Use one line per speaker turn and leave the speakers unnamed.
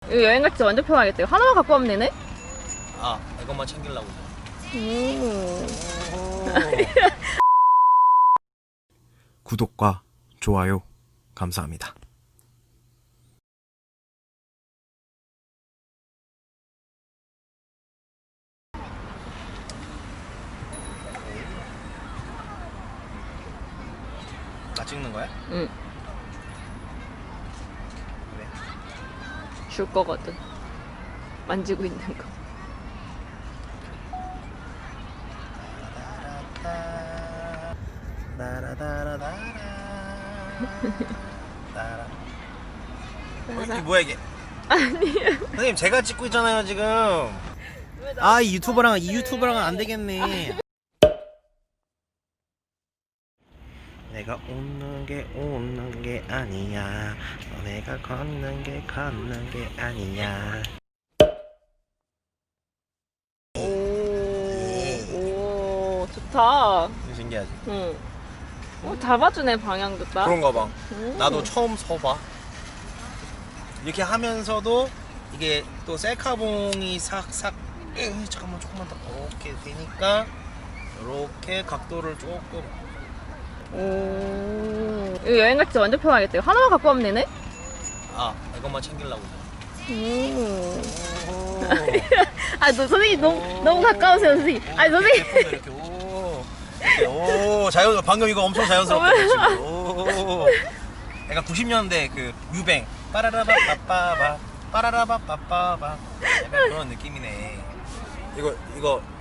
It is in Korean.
이거 여행 갈 때 완전 편하겠다. 이거 하나만 갖고 가면 되네?
아, 이것만 챙기려고. 구독과 좋아요 감사합니다. 나 찍는 거야?
응.
그래.
줄 거거든. 만지고 있는 거.
이게 뭐야 이게? 아니에요. 선생님 제가 찍고 있잖아요 지금. 아, 이 유튜버랑은 안 되겠네. 내가 웃는 게 아니야. 내가 걷는 게 아니야.
오, 좋다.
신기하지?
응. 잘 봐주네, 방향도 딱.
그런가 봐. 나도 처음 서봐. 이렇게 하면서도 이게 또 셀카봉이 싹싹 잠깐만 조금만 더 이렇게 되니까 이렇게 각도를 조금.
오. 이거 여행 갈 때 완전 편하겠다. 이거 하나만 갖고 가면 되네?
아, 이것만 챙기려고.
아, 너 선생님 너무 가까우세요, 선생님. 아니, 선생님.
이렇게 오 자연 방금 이거 엄청 자연스럽게 지금. 오. 약간 90년대 그 뮤뱅 빠라라바빠빠바 빠라라바빠빠바 약간 그런 느낌이네. 이거